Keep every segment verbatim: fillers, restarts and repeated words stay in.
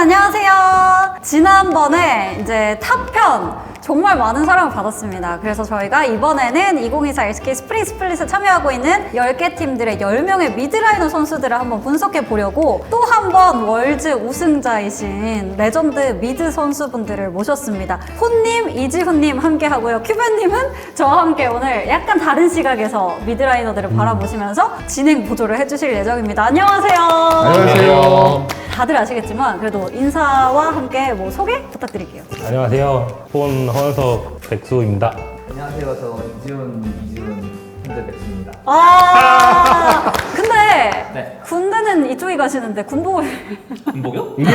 안녕하세요. 지난번에 이제 탑편 정말 많은 사랑을 받았습니다. 그래서 저희가 이번에는 이천이십사 엘씨케이 스프링 스플릿에 참여하고 있는 열 개 팀들의 열 명의 미드라이너 선수들을 한번 분석해 보려고 또 한 번 월즈 우승자이신 레전드 미드 선수분들을 모셨습니다. 혼님, 이지훈님 함께 하고요. 큐벤님은 저와 함께 오늘 약간 다른 시각에서 미드라이너들을 음. 바라보시면서 진행 보조를 해주실 예정입니다. 안녕하세요. 안녕하세요. 다들 아시겠지만 그래도 인사와 함께 뭐 소개 부탁드릴게요. 안녕하세요. 폰 허은석 백수입니다. 안녕하세요. 저 이지훈, 이지훈 현재 백수입니다. 아, 근데 네. 군대는 이쪽이 가시는데 군복을 군복이요? 이게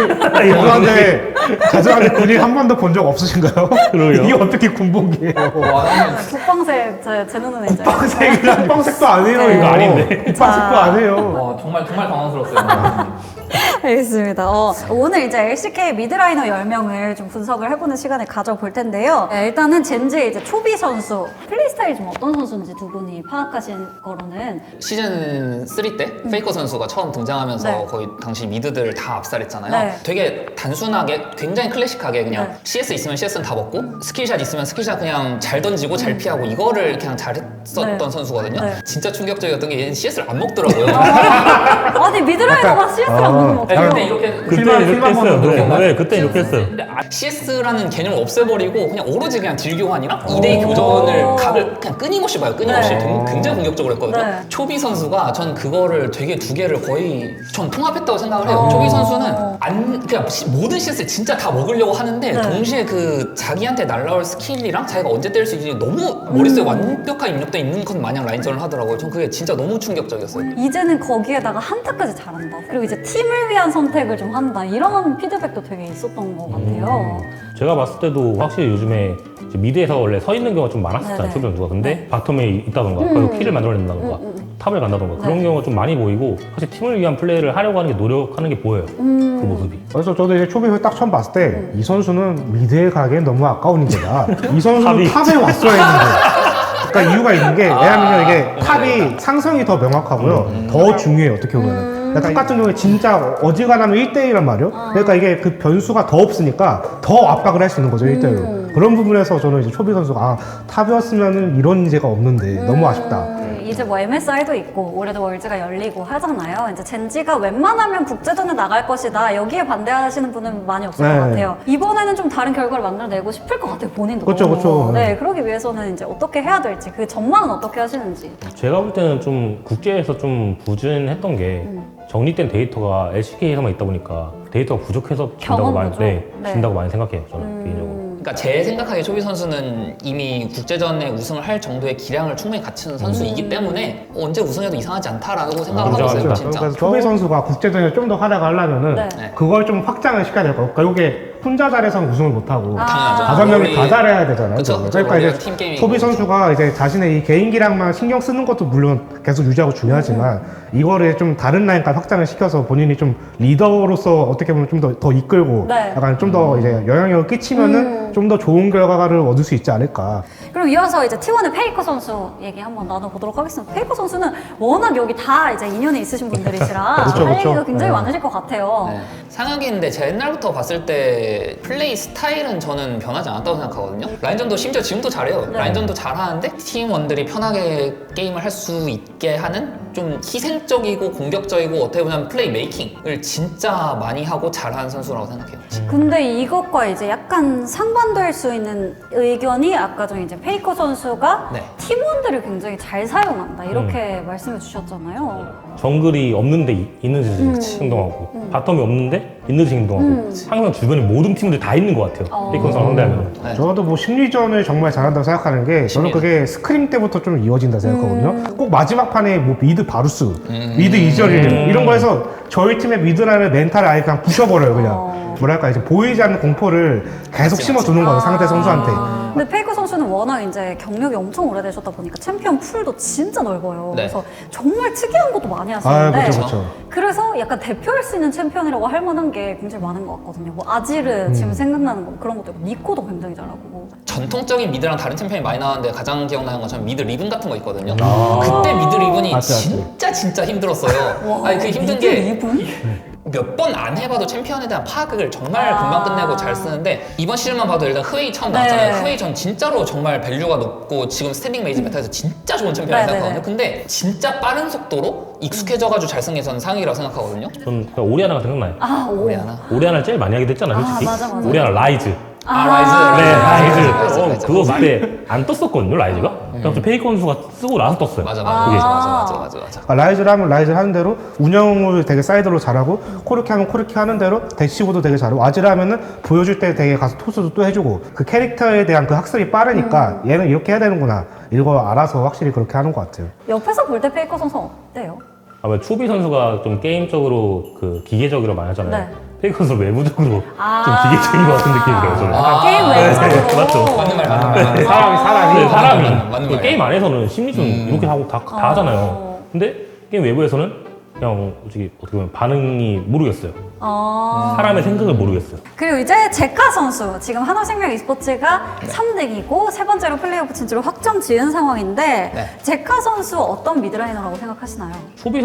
죄송한데 죄송한데 군인 한 번도 본 적 없으신가요? 그러게요. 이게 어떻게 군복이에요? 와, 나는 국방색 제, 제 눈은 이제 국방색이랑 국방색도 아니에요. 네. 이거 아닌데. 국방색도 아니에요. 와, 정말 정말 당황스러웠어요. 알겠습니다. 어, 오늘 이제 엘씨케이 미드라이너 열 명을 좀 분석을 해보는 시간을 가져볼 텐데요. 네, 일단은 젠지의 이제 초비 선수, 플레이 스타일이 좀 어떤 선수인지 두 분이 파악하신 거로는 시즌 쓰리 때 페이커 선수가 처음 등장하면서 네. 거의 당시 미드들을 다 압살했잖아요. 네. 되게 단순하게 굉장히 클래식하게 그냥 네. 씨에스 있으면 씨에스는 다 먹고 스킬샷 있으면 스킬샷 그냥 잘 던지고 잘 피하고 이거를 그냥 잘했었던 네. 선수거든요. 네. 진짜 충격적이었던 게 얘는 씨에스를 안 먹더라고요. 아니 미드라이너가 씨에스를 안 먹는 거 네, 어때요? 근데 이렇게 그때 필만- 이렇게 필만 했어요. 먹는 네, 거구나. 네, 그때 이렇게 했어요. 근데 씨에스라는 개념을 없애버리고 그냥 오로지 그냥 딜 교환이랑 이 대이 교전을 각을 그냥 끊임없이 봐요. 끊임없이 네. 등- 굉장히 공격적으로 했거든요. 네. 초비 선수가 전 그거를 되게 두 개를 거의 전 통합했다고 생각을 해요. 어. 초비 선수는 안 그냥 시- 모든 씨에스 진짜 다 먹으려고 하는데 네. 동시에 그 자기한테 날라올 스킬이랑 자기가 언제 때릴 수 있는지 너무 머릿속에 완벽하게 입력돼 있는 것 마냥 라인전을 하더라고요. 전 그게 진짜 너무 충격적이었어요. 이제는 거기에다가 한타까지 잘한다. 그리고 이제 팀을 위한 선택을 좀 한다. 이런 피드백도 되게 있었던 것 같아요. 제가 봤을 때도 확실히 요즘에 이제 미드에서 원래 서 있는 경우가 좀 많았었잖아요. 네네. 초비 선수가. 근데 네. 바텀에 있다던가 음. 그리고 킬을 만들어낸다던가 음, 음. 탑을 간다던가 네. 그런 경우가 좀 많이 보이고 사실 팀을 위한 플레이를 하려고 하는 게 노력하는 게 보여요. 음. 그 모습이. 그래서 저도 이제 초비를 딱 처음 봤을 때 이 선수는 미드에 가기엔 너무 아까운 인재다. 이 선수는 탑이. 탑에 왔어야 했는데. 그러니까 이유가 있는 게 왜냐면 이게 탑이 상성이 더 명확하고요. 더 중요해요. 어떻게 보면. 그러니까 탑 같은 경우에 진짜 어지간하면 일 대일란 말이에요. 그러니까 이게 그 변수가 더 없으니까 더 압박을 할 수 있는 거죠. 일 대일로. 그런 부분에서 저는 이제 초비 선수가 아, 탑이었으면 이런 인재가 없는데 너무 아쉽다. 음, 이제 뭐 엠에스아이도 있고 올해도 월즈가 열리고 하잖아요. 이제 젠지가 웬만하면 국제전에 나갈 것이다. 여기에 반대하시는 분은 많이 없을 네. 것 같아요. 이번에는 좀 다른 결과를 만들어내고 싶을 것 같아요. 본인도. 그쵸, 너무. 그쵸. 네, 그러기 위해서는 이제 어떻게 해야 될지 그 전망은 어떻게 하시는지. 제가 볼 때는 좀 국제에서 좀 부진했던 게 음. 정립된 데이터가 엘씨케이에서만 있다 보니까 데이터가 부족해서 진다고 경험 많이, 부족. 네, 네. 진다고 많이 생각해요. 저는 음. 개인적으로. 그러니까 제 생각하기에 초비 선수는 이미 국제전에 우승을 할 정도의 기량을 충분히 갖춘 선수이기 때문에 언제 우승해도 이상하지 않다라고 생각을 하고 있어요, 인정합니다. 진짜. 그래서 초비 선수가 국제전에 좀 더 활약을 하려면은 네. 네. 그걸 좀 확장을 시켜야 될 거예요. 그러니까 이게 혼자 잘해서는 우승을 못하고 아. 당연하죠. 다섯 명이 우리- 다 잘해야 되잖아요. 그쵸, 그러니까 그쵸. 그러니까 우리가 팀 이제 게임이고 소비 그쵸. 선수가 이제 자신의 이 개인기량만 신경 쓰는 것도 물론 계속 유지하고 중요하지만 이거를 좀 다른 라인까지 확장을 시켜서 본인이 좀 리더로서 어떻게 보면 좀 더 더 이끌고 네. 약간 좀 더 이제 영향력을 끼치면은 좀 더 좋은 결과를 얻을 수 있지 않을까. 그럼 이어서 이제 티원의 페이커 선수 얘기 한번 나눠보도록 하겠습니다. 페이커 선수는 워낙 여기 다 이제 인연이 있으신 분들이시라 그쵸, 할 그쵸. 얘기가 굉장히 네. 많으실 것 같아요. 네. 상하기인데 제가 옛날부터 봤을 때 플레이 스타일은 저는 변하지 않았다고 생각하거든요. 라인전도 심지어 지금도 잘해요. 네. 라인전도 잘하는데 팀원들이 편하게 게임을 할 수 있게 하는 좀 희생적이고 공격적이고 어떻게 보면 플레이 메이킹을 진짜 많이 하고 잘하는 선수라고 생각해요. 근데 이것과 이제 약간 상반될 수 있는 의견이 아까 전에 이제 페이커 선수가 네. 팀원들을 굉장히 잘 사용한다 이렇게 음. 말씀해 주셨잖아요. 정글이 없는데 이- 있는 듯이 음. 행동하고 음. 바텀이 없는데 있는 듯이 행동하고 음. 항상 주변에 모든 팀들 다 있는 것 같아요. 어. 페이커 선수 상대하면. 네. 저도 뭐 심리전을 정말 잘한다고 생각하는 게 저는 그게 스크림 때부터 좀 이어진다 생각하거든요. 음. 꼭 마지막 판에 뭐 미드 바루스, 미드 이저리를 이런 거에서 저희 팀의 미드라는 멘탈을 아예 그냥 부셔버려요. 그냥 어. 뭐랄까 이제 보이지 않는 공포를 계속 맞지, 심어두는 거예요. 상대 선수한테. 아. 근데 페이커 선수는 워낙 이제 경력이 엄청 오래되셨다 보니까 챔피언 풀도 진짜 넓어요. 네. 그래서 정말 특이한 것도 많이 아, 하시는데 그렇죠, 그렇죠. 그래서 약간 대표할 수 있는 챔피언이라고 할 만한 게 굉장히 많은 것 같거든요. 뭐 아지르 지금 생각나는 거 그런 것도 있고 니코도 굉장히 잘하고. 전통적인 미드랑 다른 챔피언이 많이 나왔는데 가장 기억나는 건 저는 미드 리븐 같은 거 있거든요. 아. 그때 미드 리븐이 맞지, 맞지. 진짜 진짜 힘들었어요. 와, 아니 그 힘든 미드 게 리븐? 몇 번 안 해봐도 챔피언에 대한 파악을 정말 아. 금방 끝내고 잘 쓰는데 이번 시즌만 봐도 일단 흐웨이 처음 네. 나왔잖아요. 흐웨이 전 진짜로 정말 밸류가 높고 지금 스탠딩 메이지 메타에서 진짜 좋은 챔피언을 네, 생각하거든요. 네, 네. 근데 진짜 빠른 속도로 익숙해져가지고 잘 쓰는 게 저는 상위라고 생각하거든요. 전 그냥 오리아나가 생각나요. 아, 오. 우리 하나. 오리아나를 제일 많이 하게 됐잖아요, 솔직히. 아, 맞아, 맞아. 오리아나 라이즈. 아, 라이즈. 네, 라이즈. 라이즈, 어, 라이즈. 그거 그때 안 떴었거든요, 라이즈가. 그냥 좀 페이커 선수가 쓰고 나서 떴어요. 맞아, 맞아, 그게. 맞아, 맞아, 맞아, 맞아, 맞아. 그러니까 라이즈를 하면 라이즈를 하는 대로 운영을 되게 사이드로 잘하고 코르키 하면 코르키 하는 대로 대시보도 되게 잘하고 아지를 하면은 보여줄 때 되게 가서 토스도 또 해주고 그 캐릭터에 대한 그 학습이 빠르니까 얘는 이렇게 해야 되는구나 이걸 알아서 확실히 그렇게 하는 것 같아요. 옆에서 볼 때 페이커 선수 어때요? 아마 초비 선수가 좀 게임적으로 그 기계적으로 많이 하잖아요. 네. 페이커 선수 외부적으로 아. 좀 기계적인 것 같은 느낌이 들어요, 저는. 아, 게임 네, 외적으로. 맞죠. 맞는 말, 맞는 말. 네, 사람이 사람이 네, 사람이 맞는 말, 맞는 그 말이에요. 게임 안에서는 심리전 이렇게 하고 다, 다 어. 하잖아요. 근데 게임 외부에서는 그냥 솔직히 어떻게 보면 반응이 모르겠어요. 어. 사람의 생각을 모르겠어요. 그리고 이제 제카 선수 지금 하나생명 e스포츠가 삼 등이고 세 번째로 플레이오프 진출을 확정 지은 상황인데 네. 제카 선수 어떤 미드라이너라고 생각하시나요? 초비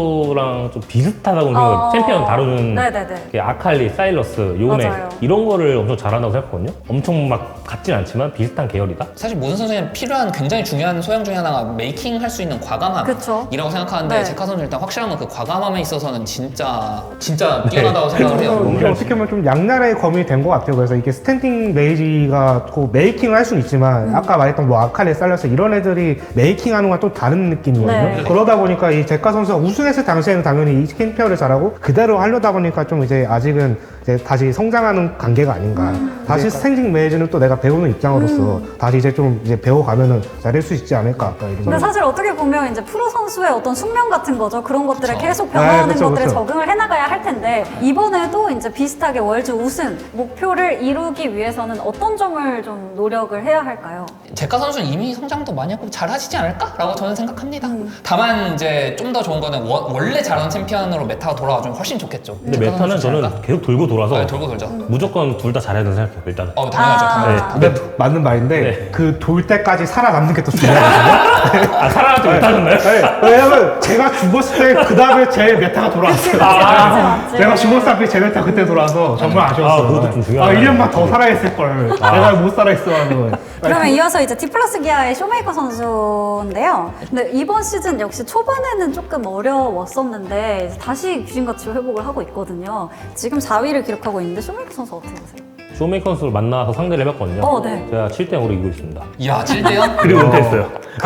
선수랑 좀 비슷하다고 생각해요. 어. 챔피언 다루는 네네네. 그 아칼리, 사일러스, 요네 맞아요. 이런 거를 엄청 잘한다고 생각하거든요. 엄청 막 같진 않지만 비슷한 계열이다. 사실 모든 선수에는 필요한 굉장히 중요한 소양 중에 하나가 메이킹 할 수 있는 과감함이라고 그쵸. 생각하는데 네. 제카 선수 일단 확실한 건 그 과감함에 있어서는 진짜 진짜 뛰어나다고 생각을 해요. 너무 이게 잘 어떻게 보면 좀 양날의 검이 된 것 같아요. 그래서 이게 스탠딩 메이지가 그 메이킹을 할 수는 있지만 아까 말했던 뭐 아칼리, 살라스 이런 애들이 메이킹하는 건 또 다른 느낌이거든요. 네. 그러다 보니까 이 제카 선수가 우승했을 당시에는 당연히 이 캠페어를 잘하고 그대로 하려다 보니까 좀 이제 아직은 이제 다시 성장하는 관계가 아닌가. 다시 스탠딩 메이지는 또 내가 배우는 입장으로서 다시 이제 좀 이제 배워가면은 잘할 수 있지 않을까. 아까 이런 근데 사실 어떻게 보면 이제 프로 선수의 어떤 숙명 같은 거죠. 그런 것들을 그쵸. 계속 변화하는 네, 그쵸, 것들에 그쵸. 적응을 해나가야 할 텐데 이번에도 이제 비슷하게 월드 우승 목표를 이루기 위해서는 어떤 점을 좀 노력을 해야 할까요? 제카 선수는 이미 성장도 많이 하고 잘 하시지 않을까라고 저는 생각합니다. 다만 이제 좀 더 좋은 거는 워- 원래 잘하는 챔피언으로 메타가 돌아와주면 훨씬 좋겠죠. 근데 제카 메타는 선수 저는 잘할까? 계속 돌고 돌아서 네, 돌고 돌죠. 무조건 둘 다 잘해야 된다고 생각해요, 일단은. 어 당연하죠. 아. 당연하죠. 근데 맞는 말인데 네. 그 돌 때까지 살아남는 게 또 중요하거든요. 아, 살아남지 못하셨나요? 네, 왜냐면 제가 죽었을 때 그 다음에 제 메타가 돌아왔어요. 맞지, 맞지. 제가 죽었을 때 제 메타 그때 돌아와서 정말 아쉬웠어요. 아, 그것도 좀 중요하네. 아, 일 년만 더 살아있을 걸. 내가 못 살아있어 하는 거. 그러면 이어서 이제 디플러스 기아의 쇼메이커 선수인데요. 근데 이번 시즌 역시 초반에는 조금 어려웠었는데 이제 다시 귀신같이 회복을 하고 있거든요. 지금 사 위를 기록하고 있는데 쇼메이커 선수 어떻게 보세요? 쇼메이커 선수를 만나서 상대를 해봤거든요. 어, 네. 제가 칠 대 영으로 이기고 있습니다. 이야 칠 대 영? 그리고 은퇴했어요.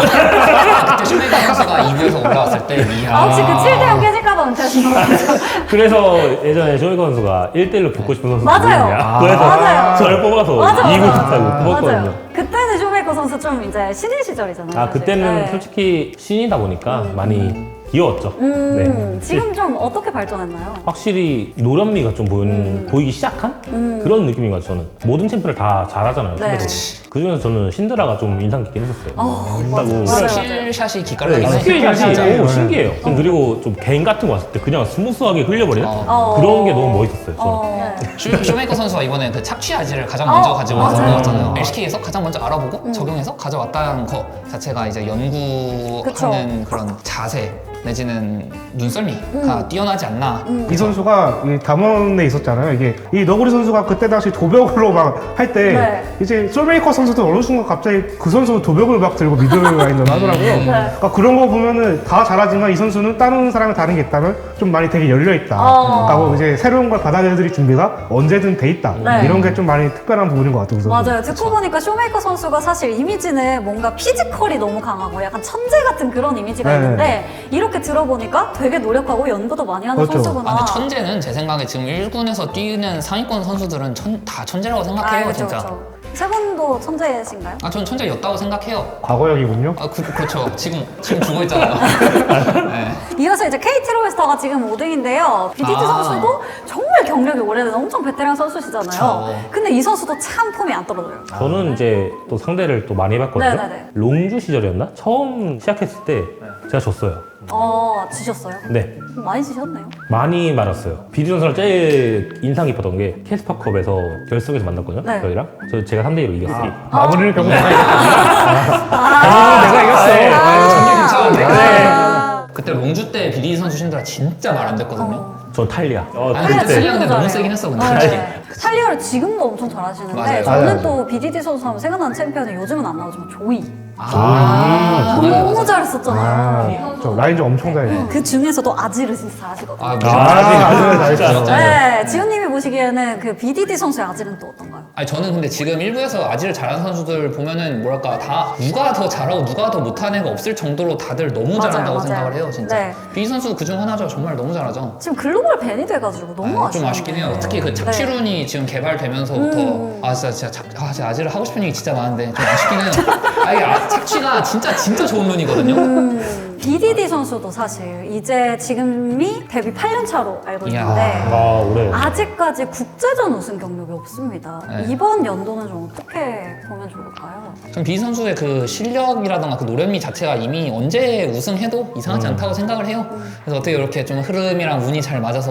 그때 슈메이커 선수가 이 부에서 올라왔을 때 이야. 아, 혹시 그 칠 대 영 깨질까봐 은퇴하신 거예요? 그래서 예전에 쇼메이커 선수가 일 대 일로 붙고 싶은 선수 맞아요. 누구냐? 그래서 맞아요. 저를 뽑아서 맞아, 이기고 맞아. 싶다고 뽑았거든요. 맞아요. 그때는 쇼메이커 선수 좀 이제 신인 시절이잖아요. 아 사실. 그때는 네. 솔직히 신이다 보니까 많이 귀여웠죠. 음, 네. 지금 좀 어떻게 발전했나요? 확실히 노련미가 좀 보이는, 보이기 시작한 그런 느낌인 것 같아요. 저는 모든 챔프를 다 잘하잖아요. 음. 네. 그 중에서 저는 신드라가 좀 인상 깊긴 했었어요. 어, 맞아요. 맞아요. 킬샷이 기깔나긴 네, 해요. 스킬샷이 진짜. 오, 신기해요. 그리고 좀 개인 같은 거 왔을 때 그냥 스무스하게 흘려버리는 어. 그런 게 너무 멋있었어요. 저는. 어. 쇼, 쇼메이커 선수가 이번에 그 착취 아지를 가장 어, 먼저 가지고 와서 맞아요. 나왔잖아요. 엘씨케이에서 가장 먼저 알아보고 적용해서 가져왔다는 거 자체가 이제 연구하는 그쵸. 그런 자세 내지는 눈썰미가 뛰어나지 않나. 이 선수가 이 담원에 있었잖아요. 이게 이 너구리 선수가 그때 당시 도벽으로 막 할 때 네. 이제 솔메이커 선수도 어느 순간 갑자기 그 선수 도벽을 막 들고 미들라인을 하더라고요. 그러니까 그런 거 보면은 다 잘하지만 이 선수는 다른 사람이 다른 게 있다면 좀 많이 되게 열려 있다. 어. 하고 이제 새로운 걸 받아들일 준비가 언제든 돼 있다. 네. 이런 게 좀 많이 특별한 부분인 것 같아요. 그 선수. 맞아요. 듣고 보니까 쇼메이커 선수가 사실 이미지는 뭔가 피지컬이 너무 강하고 약간 천재 같은 그런 이미지가 네. 있는데 이렇게 들어보니까 되게 노력하고 연구도 많이 하는 그렇죠. 선수구나. 아, 근데 천재는 제 생각에 지금 일 군에서 뛰는 상위권 선수들은 천, 다 천재라고 생각해요, 아, 진짜. 그렇죠. 세 분도 천재신가요? 아, 저는 천재였다고 생각해요. 과거형이군요. 아, 그, 그렇죠. 지금, 지금 죽어 있잖아요. 네. 이어서 이제 케이티 로이스터가 지금 오 등인데요. 비디티 아. 선수도 정말 경력이 오래된 엄청 베테랑 선수시잖아요. 그쵸. 근데 이 선수도 참 폼이 안 떨어져요. 저는 이제 또 상대를 또 많이 해봤거든요. 네네네. 롱주 시절이었나? 처음 시작했을 때 제가 졌어요. 어, 지셨어요? 네. 많이 지셨네요. 많이 많았어요. 비디 선수랑 제일 인상 깊었던 게 캐스파컵에서 결승에서 만났거든요. 네. 저희랑. 저 제가 삼 대 이로 이겼어요. 마무리를 결국 내가 아, 내가 이겼어. 전개 괜찮은데? 아. 그때 롱주 때 비디 선수 신드라 진짜 말 안 됐거든요. 전 탈리아. 어, 아니, 탈리아 그때 지금도 탈리아는 너무 잘해요. 세긴 했어, 근데. 네. 솔직히. 탈리아를 지금도 엄청 잘하시는데 맞아요. 저는 맞아요. 또 비디디 선수 하면 생각나는 챔피언이 요즘은 안 나오지만 조이. 아, 너무 맞아요, 맞아요. 잘했었잖아요. 아, 저 라인즈 엄청 잘해요. 그 중에서도 아지르시 잘하시거든요. 아, 아, 무슨 아직은 잘했어요. 네, 지훈님이 보시기에는 그 비디디 선수의 아지는 또 어떤가요? 아니 저는 근데 지금 일부에서 아지를 잘하는 선수들 보면은 뭐랄까 다 누가 더 잘하고 누가 더 못하는 애가 없을 정도로 다들 너무 맞아요, 잘한다고 맞아요. 생각을 해요 진짜. 네. 비 선수 그중 하나죠. 정말 너무 잘하죠. 지금 글로벌 밴이 돼가지고 너무 아, 아쉬워요. 좀 아쉽긴 해요. 특히 그 착취룬이 지금 개발되면서부터 음. 아 진짜 진짜 착, 아 진짜 아지를 하고 싶은 얘기 진짜 많은데 좀 아쉽긴 해요. 아 이게 아, 착취가 진짜 진짜 좋은 룬이거든요. 음, 비디디 선수도 사실 이제 지금이 데뷔 팔 년 차로 알고 이야. 있는데 아, 올해. 아직까지 국제전 우승 경력이 없습니다. 네. 이번 연도는 좀 어떻게 보면 좋을까요? 전 비 선수의 그 실력이라던가 그 노련미 자체가 이미 언제 우승해도 이상하지 않다고 생각을 해요. 그래서 어떻게 이렇게 좀 흐름이랑 운이 잘 맞아서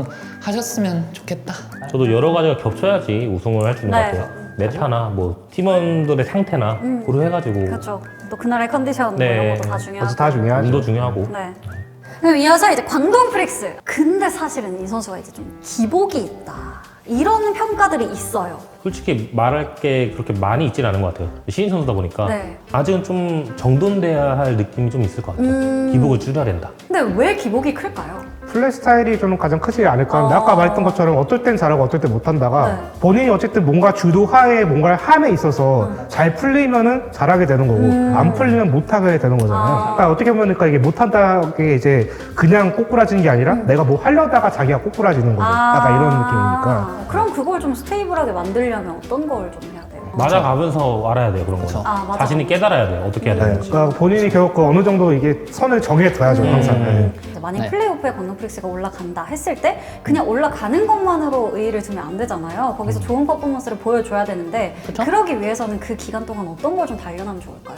우승하셨으면 좋겠다. 저도 여러 가지가 겹쳐야지 우승을 할 수 있는 네. 것 같아요. 메타나 뭐 팀원들의 상태나 고려해가지고 그렇죠. 또 그날의 컨디션 네. 뭐 이런 것도 다 그래서 중요하고. 다 중요하죠. 운도 중요하고. 네. 그럼 이어서 이제 광동 프릭스. 근데 사실은 이 선수가 이제 좀 기복이 있다. 이런 평가들이 있어요. 솔직히 말할 게 그렇게 많이 있진 않은 것 같아요. 신인 선수다 보니까 네. 아직은 좀 정돈돼야 할 느낌이 좀 있을 것 같아요. 음. 기복을 줄여야 된다. 근데 왜 기복이 클까요? 플레이 스타일이 좀 가장 크지 않을까 하는데 어. 아까 말했던 것처럼 어떨 땐 잘하고 어떨 땐 못한다가 네. 본인이 어쨌든 뭔가 주도하에 뭔가를 함에 있어서 잘 풀리면은 잘하게 되는 거고 안 풀리면 못하게 되는 거잖아요. 음. 아. 그러니까 어떻게 보면 그러니까 이게 못한다는 게 이제 그냥 꼬꾸라지는 게 아니라 내가 뭐 하려다가 자기가 꼬꾸라지는 거죠. 약간 이런 느낌이니까. 그럼 그걸 좀 스테이블하게 만들려면 어떤 걸 좀 해야 돼요? 맞아가면서 알아야 돼요, 그런 거는. 아, 맞아. 자신이 깨달아야 돼요, 어떻게 해야 네, 되는지. 그러니까 본인이 결국 그 어느 정도 이게 선을 정해둬야죠 항상. 네. 이제 만약 네. 플레이오프에 광동 프릭스가 올라간다 했을 때 그냥 올라가는 것만으로 의의를 두면 안 되잖아요. 거기서 좋은 퍼포먼스를 보여줘야 되는데 그쵸? 그러기 위해서는 그 기간 동안 어떤 걸 좀 단련하면 좋을까요?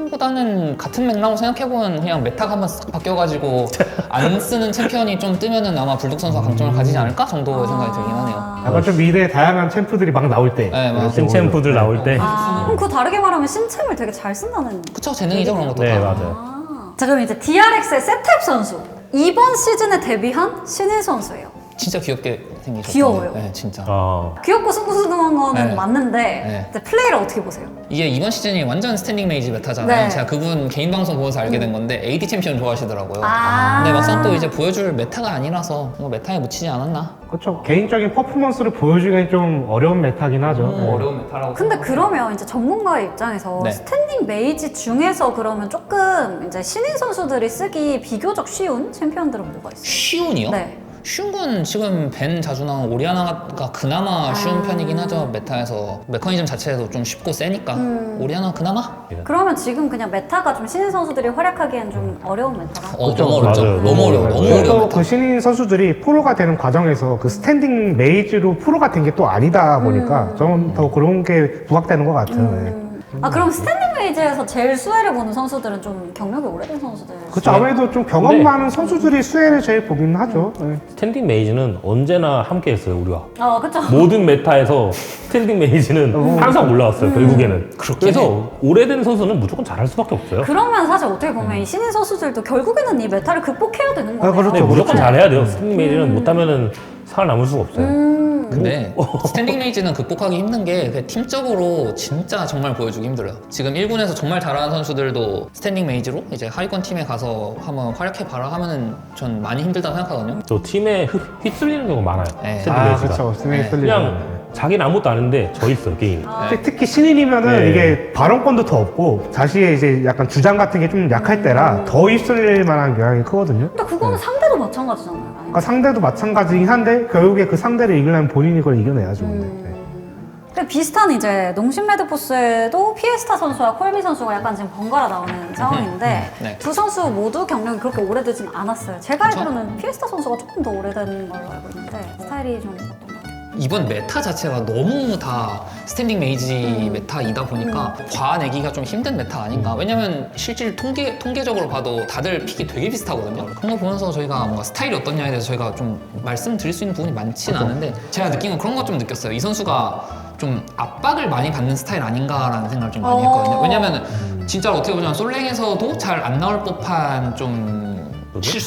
단련보다는 같은 맥락으로 생각해보면 그냥 메타가 한번 싹 바뀌어가지고 안 쓰는 챔피언이 좀 뜨면은 아마 불독 선수가 강점을 가지지 않을까 정도의 생각이 들긴 하네요. 약간 좀 미래에 다양한 챔프들이 막 나올 때. 네, 맞아요. 신챔프들 나올 때. 아, 그럼 그 다르게 말하면 신챔을 되게 잘 쓴다는. 그쵸, 재능이죠 그런 것도. 네, 다. 맞아요. 아. 자, 그럼 이제 디알엑스의 세탭 선수. 이번 시즌에 데뷔한 신인 선수예요. 진짜 귀엽게 생기셨어요. 귀여워요. 네, 진짜. 아, 귀엽고 숭숭숭한 거는 네. 맞는데 네. 이제 플레이를 어떻게 보세요? 이게 이번 시즌이 완전 스탠딩 메이지 메타잖아요. 네. 제가 그분 개인 방송 보면서 알게 된 건데 에이디 챔피언 좋아하시더라고요. 아. 근데 막상 또 이제 보여줄 메타가 아니라서 뭐 메타에 묻히지 않았나? 그렇죠. 개인적인 퍼포먼스를 보여주기엔 좀 어려운 메타긴 하죠. 네. 어려운 메타라고. 근데 그러면 이제 전문가의 입장에서 네. 스탠딩 메이지 중에서 그러면 조금 이제 신인 선수들이 쓰기 비교적 쉬운 챔피언들은 뭐가 있어요? 쉬운이요? 네. 쉬운 건 지금 벤 자주 나온 오리아나가 그나마 쉬운 아. 편이긴 하죠. 메타에서 메커니즘 자체도 좀 쉽고 세니까 음. 오리아나 그나마? 그러면 지금 그냥 메타가 좀 신인 선수들이 활약하기엔 좀 어려운 메타라. 어, 그쵸, 너무 어렵죠. 맞아요. 너무 어려워. 너무 어려워. 또 메타. 그 신인 선수들이 프로가 되는 과정에서 그 스탠딩 메이지로 프로가 된 게 또 아니다 보니까 저는 더 그런 게 부각되는 것 같아요. 네. 아 그럼 스탠딩 메이지에서 제일 수혜를 보는 선수들은 좀 경력이 오래된 선수들. 그렇죠. 아무래도 좀 경험 네. 많은 선수들이 수혜를 제일 보긴 하죠. 네. 스탠딩 메이지는 언제나 함께 했어요, 우리가. 어 그쵸. 모든 메타에서 스탠딩 메이지는 항상 올라왔어요, 결국에는. 그렇긴 그래서 오래된 선수는 무조건 잘할 수밖에 없어요. 그러면 사실 어떻게 보면 이 신인 선수들도 결국에는 이 메타를 극복해야 되는 거네요. 그렇죠. 네, 무조건 그렇죠. 잘해야 돼요. 스탠딩 메이지는 못하면은 살아남을 수가 없어요. 음. 근데 스탠딩 메이지는 극복하기 힘든 게 그냥 팀적으로 진짜 정말 보여주기 힘들어요. 지금 일 군에서 정말 잘하는 선수들도 스탠딩 메이지로 이제 하위권 팀에 가서 한번 활약해봐라 하면은 전 많이 힘들다고 생각하거든요. 저 팀에 휘- 휘둘리는 경우가 많아요. 네. 스탠딩 아, 메이지가. 그렇죠. 스탠딩 네. 메이지. 그냥 자기는 아무것도 아는데 져 있어요, 게임. 특히, 특히 신인이면은 네. 이게 발언권도 더 없고 자신의 이제 약간 주장 같은 게 좀 약할 때라 더 입술릴 만한 경향이 크거든요. 근데 그거는 상대도 마찬가지잖아요. 그러니까 상대도 마찬가지긴 한데 결국에 그 상대를 이기려면 본인이 그걸 이겨내야죠. 근데. 네. 근데 비슷한 이제 농심 레드포스에도 피에스타 선수와 콜비 선수가 약간 지금 번갈아 나오는 상황인데 네. 두 선수 모두 경력이 그렇게 오래되진 않았어요. 제가 그쵸? 알기로는 피에스타 선수가 조금 더 오래된 걸로 알고 있는데 스타일이 좀 어떤가요? 이번 메타 자체가 너무 다 스탠딩 메이지 메타이다 보니까 과내기가 좀 힘든 메타 아닌가. 왜냐면 실질 통계, 통계적으로 봐도 다들 픽이 되게 비슷하거든요. 그런 거 보면서 저희가 뭔가 스타일이 어떻냐에 대해서 저희가 좀 말씀드릴 수 있는 부분이 많지는 않은데 제가 느낀 건 그런 거 좀 느꼈어요. 이 선수가 좀 압박을 많이 받는 스타일 아닌가라는 생각을 좀 많이 했거든요. 왜냐면은 진짜로 어떻게 보자면 솔랭에서도 잘 안 나올 법한 좀 실수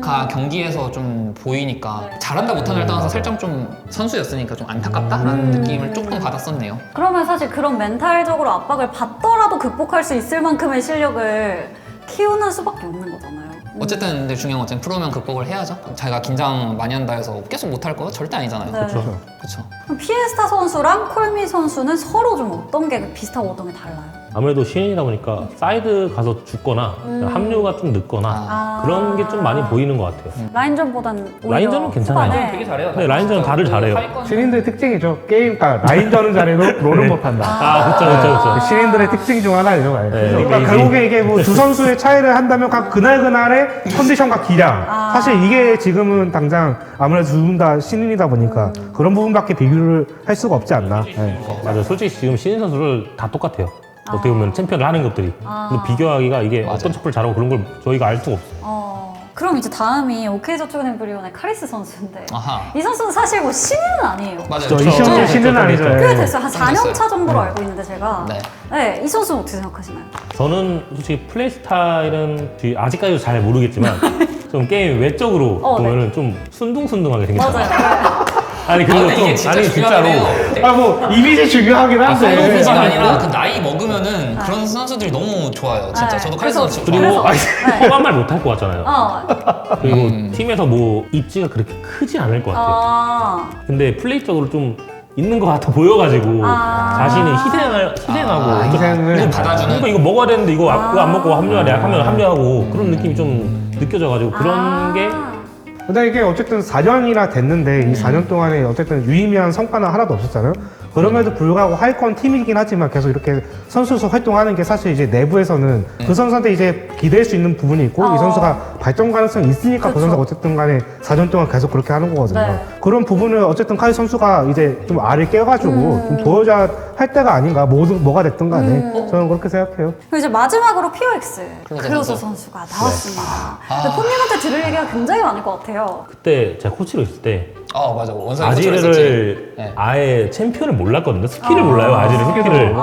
가 경기에서 좀 보이니까 잘한다 못한다를 떠나서 살짝 좀 선수였으니까 좀 안타깝다라는 느낌을 조금 받았었네요. 그러면 사실 그런 멘탈적으로 압박을 받더라도 극복할 수 있을 만큼의 실력을 키우는 수밖에 없는 거잖아요. 어쨌든 근데 중요한 건 어쨌든 프로면 극복을 해야죠. 자기가 긴장 많이 한다 해서 계속 못할 거 절대 아니잖아요. 네. 그렇죠. 그럼 피에스타 선수랑 콜미 선수는 서로 좀 어떤 게 비슷하고 어떤 게 달라요? 아무래도 신인이다 보니까 사이드 가서 죽거나 합류가 좀 늦거나 아. 그런 게 좀 많이 보이는 것 같아요. 라인전보다는 오히려 라인전은 괜찮아요. 후반에 되게 잘해요. 네, 라인전은 다들 잘해요. 신인들의 특징이죠. 게임, 그러니까 라인전은 잘해도 롤은 못한다. 아, 그쵸, 그쵸, 그쵸. 그 신인들의 특징 중 하나죠. 네, 그러니까 이게- 결국에 이게 뭐 두 선수의 차이를 한다면 각 그날 그날의 컨디션과 기량. 아. 사실 이게 지금은 당장 아무래도 두 분 다 신인이다 보니까 그런 부분밖에 비교를 할 수가 없지 않나. 네. 맞아요. 솔직히 지금 신인 선수를 다 똑같아요. 어떻게 보면 챔피언을 하는 것들이. 아. 근데 비교하기가 이게 맞아요. 어떤 척을 잘하고 그런 걸 저희가 알 수가 없어요. 어, 그럼 이제 다음이 오케이저축은엠브리온의 카리스 선수인데 아하. 이 선수는 사실 뭐 신인은 아니에요. 맞아요. 저 저- 이 시험도 네, 신은 그렇죠, 아니죠. 그렇죠. 꽤 네. 됐어요. 한 사 년 차 됐어요. 정도로 알고 있는데 제가 네. 네, 이 선수는 어떻게 생각하시나요? 저는 솔직히 플레이 스타일은 뒤- 아직까지도 잘 모르겠지만 좀 게임 외적으로 어, 보면은 좀 순둥순둥하게 생겼어요. 맞아요. 아니 아, 그리고 근데 좀 이게 진짜 아니 중요하긴 진짜로 해요. 아, 뭐, 이미지 중요하긴 선수 한데. 이미지가 아니라 아니, 그 나이 먹으면은 그런 선수들이 너무 좋아요. 진짜 네. 저도 그래서- 카리스 선수 그리고 좋아해요. 그래서- 험한 말 못할 것 같잖아요. 어, 그리고 음. 팀에서 뭐 입지가 그렇게 크지 않을 것 같아요. 아, 근데 플레이적으로 좀 있는 것 같아 보여가지고 아. 자신이 희생을 희생하고 아, 좀- 희생을 이거 받아주는 이거 이거 먹어야 되는데 이거, 아. 이거 안 먹고 합류하래 하면 합류하고 그런 음. 느낌이 좀 느껴져가지고 그런 아. 게 근데 이게 어쨌든 사 년이나 됐는데 이 사 년 동안에 어쨌든 유의미한 성과는 하나도 없었잖아요. 그럼에도 불구하고 하위권 팀이긴 하지만 계속 이렇게 선수로서 활동하는 게 사실 이제 내부에서는 그 선수한테 이제 기댈 수 있는 부분이 있고 어. 이 선수가 발전 가능성이 있으니까 그 그쵸. 선수가 어쨌든 간에 사 년 동안 계속 그렇게 하는 거거든요. 네. 그런 부분을 어쨌든 카이 선수가 이제 좀 알을 깨가지고 음. 좀 보여줘야 할 때가 아닌가 뭐든 뭐가 됐든 간에 음. 저는 그렇게 생각해요. 그리고 이제 마지막으로 피오엑스 클로저 클로저 선수. 선수가 나왔습니다. 아. 근데 폰님한테 들을 얘기가 굉장히 많을 것 같아요. 그때 제가 코치로 있을 때 어 맞아 원상이 코치를 했었지. 아지르를 네. 아예 챔피언을 몰랐거든요. 스킬을 몰라요. 아지르 스킬을.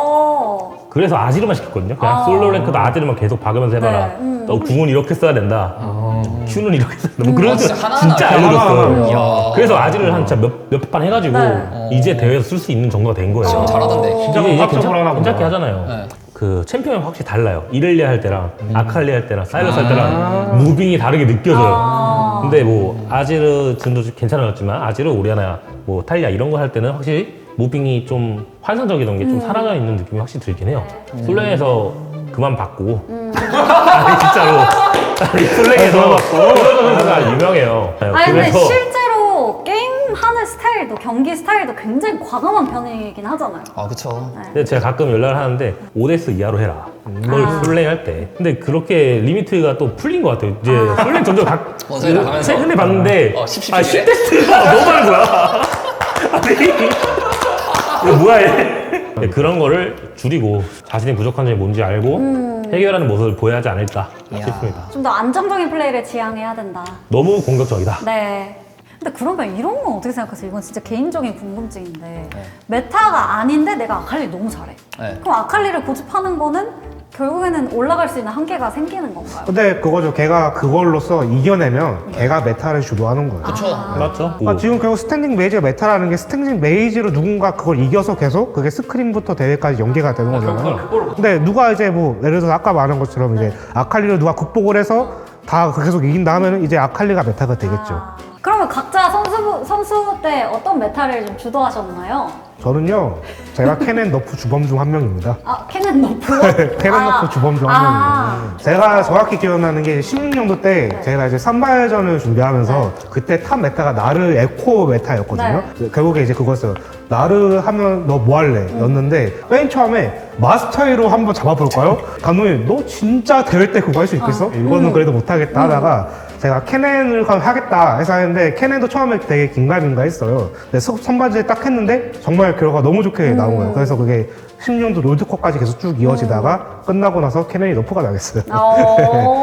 아, 그래서 아지르만 시켰거든요. 그냥 아. 솔로 랭크도 아지르만 계속 박으면서 해봐라. 네, 음. 너 궁은 이렇게 써야 된다. Q는 이렇게 써야 된다. 뭐 그런 아, 거 진짜 하나하나 진짜 하나하나 알려줬어요. 이야. 그래서 아지르를 한 진짜 몇, 몇 판 해가지고 네. 이제 대회에서 쓸 수 있는 정도가 된 거예요. 진짜 잘하던데. 진짜 이게 이제 복합적으로 하나 괜찮, 보다. 괜찮게 하잖아요. 네. 그 챔피언이 확실히 달라요. 이렐리아 할 때랑 아칼리 할 때랑 사일러스 할 아. 때랑 무빙이 다르게 느껴져요. 아. 근데 뭐 아지르 진도 괜찮았지만 아지르 오리아나 뭐 탈리아 이런 거 할 때는 확실히 무빙이 좀 환상적이던 게 좀 사라져 있는 느낌이 확실히 들긴 해요. 솔랭에서 그만 받고 아니 진짜로 아니 솔랭에서 솔랭에서 유명해요. 아니 근데 그래서 실제로 게임 하는 스타일도 경기 스타일도 굉장히 과감한 편이긴 하잖아요. 아 그쵸. 근데 제가 가끔 연락을 하는데 오 대에스 이하로 해라. 뭘 아. 솔랭 할 때. 근데 그렇게 리미트가 또 풀린 것 같아요. 이제 솔랭 점점 각. 원성이 나가면서? 최근에 봤는데. 어, 십, 십, 아, 십 십 대스가 너무 많은 거야. 아니. 이거 뭐야, 얘. 네, 그런 거를 줄이고 자신의 부족한 점이 뭔지 알고 해결하는 모습을 보여야 하지 않을까 이야. 싶습니다. 좀 더 안정적인 플레이를 지향해야 된다. 너무 공격적이다. 네. 근데 그러면 이런 건 어떻게 생각하세요? 이건 진짜 개인적인 궁금증인데 메타가 아닌데 내가 아칼리 너무 잘해. 네. 그럼 아칼리를 고집하는 거는 결국에는 올라갈 수 있는 한계가 생기는 건가요? 근데 그거죠. 걔가 그걸로써 이겨내면 걔가 메타를 주도하는 거예요. 그쵸. 맞죠? 아, 지금 결국 스탠딩 메이지가 메타라는 게 스탠딩 메이지로 누군가 그걸 이겨서 계속 그게 스크림부터 대회까지 연계가 되는 거잖아요. 근데 누가 이제 뭐 예를 들어서 아까 말한 것처럼 이제 아칼리를 누가 극복을 해서 다 계속 이긴다 하면은 이제 아칼리가 메타가 되겠죠. 아, 그러면 각자 선수, 선수 때 어떤 메타를 좀 주도하셨나요? 저는요, 제가 캐넨 너프 주범 중 한 명입니다. 아, 캐넨 너프? 캐넨 아, 너프 주범 중 한 아. 명이에요. 제가 정확히 기억나는 게 십육 년도 때 제가 이제 선발전을 준비하면서 그때 탑 메타가 나르 에코 메타였거든요. 결국에 이제 그거였어요. 나르 하면 너 뭐 할래? 였는데 맨 처음에 마스터이로 한번 잡아볼까요? 감독님 너 진짜 대회 때 그거 할 수 있겠어? 이거는 그래도 못하겠다 하다가 제가 캐넨을 하겠다 해서 했는데 캐넨도 처음에 되게 긴가민가 했어요. 근데 서- 선발전에 딱 했는데 정말 결과가 너무 좋게 나온 거예요. 그래서 그게 십육 년도 롤드컵까지 계속 쭉 이어지다가 끝나고 나서 캐넨이 너프가 나겠어요. 어.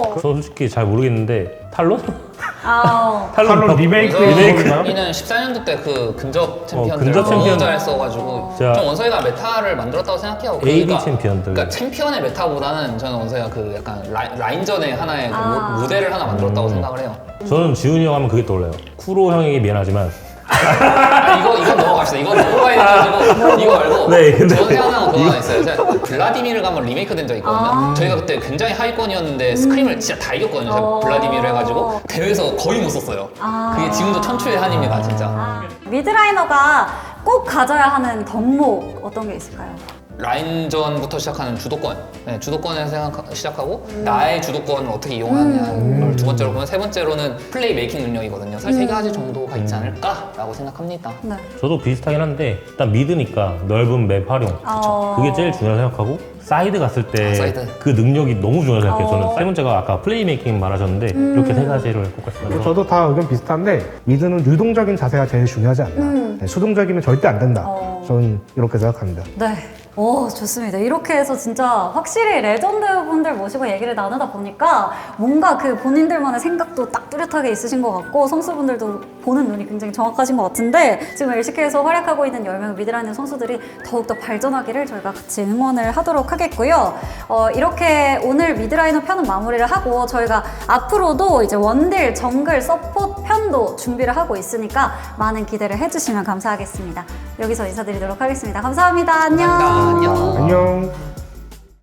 어. 저는 솔직히 잘 모르겠는데 탈론? 아, 탈론 더- 리메이크 리메이크. 원서이는 십사 년도 때 그 근접 챔피언들 근접 너무 챔피언. 잘 써가지고 자. 좀 원서이가 메타를 만들었다고 생각해요. 에이비 그러니까- 챔피언들. 그러니까 챔피언의 메타보다는 저는 원서이가 그 약간 라인, 라인전의 하나의 그 아. 모- 모델을 하나 만들었다고 음. 생각을 해요. 저는 지훈이 형 하면 그게 떠올라요. 쿠로 형에게 미안하지만 아, 이거 이거 넘어갑시다. 이거 넘어가야 돼가지고 이거 말고 네, 근데- 저는 생각나는 거 그거 하나 있어요. 제가 블라디미르가 한번 리메이크 된 적 있거든요. 아. 저희가 그때 굉장히 하위권이었는데 스크림을 진짜 다 이겼거든요. 제가 어. 블라디미르 해가지고 대회에서 거의 못 썼어요. 아. 그게 지금도 천추의 한입니다, 진짜. 아, 미드라이너가 꼭 가져야 하는 덕목 어떤 게 있을까요? 라인전부터 시작하는 주도권, 네, 주도권에서 생각, 시작하고 나의 주도권을 어떻게 이용하느냐를 두 번째로 보면 세 번째로는 플레이 메이킹 능력이거든요. 사실 세 가지 정도가 있지 않을까라고 생각합니다. 네. 저도 비슷하긴 한데 일단 미드니까 넓은 맵 활용 어. 그게 제일 중요하다고 생각하고 사이드 갔을 때 아, 사이드. 그 능력이 너무 중요하다고 생각해요. 어. 저는 세 번째가 아까 플레이 메이킹 말하셨는데 이렇게 세 가지를 꼭 말씀하셔서 저도 다 의견 비슷한데 미드는 유동적인 자세가 제일 중요하지 않나. 음. 네, 수동적이면 절대 안 된다. 어. 저는 이렇게 생각합니다. 네. 오, 좋습니다. 이렇게 해서 진짜 확실히 레전드 분들 모시고 얘기를 나누다 보니까 뭔가 그 본인들만의 생각도 딱 뚜렷하게 있으신 것 같고 선수분들도 보는 눈이 굉장히 정확하신 것 같은데 지금 엘시케이에서 활약하고 있는 열 명의 미드라이너 선수들이 더욱더 발전하기를 저희가 같이 응원을 하도록 하겠고요. 어, 이렇게 오늘 미드라이너 편은 마무리를 하고 저희가 앞으로도 이제 원딜, 정글, 서포트 편도 준비를 하고 있으니까 많은 기대를 해주시면 감사하겠습니다. 여기서 인사드리도록 하겠습니다. 감사합니다. 안녕. 감사합니다. 안녕. 안녕.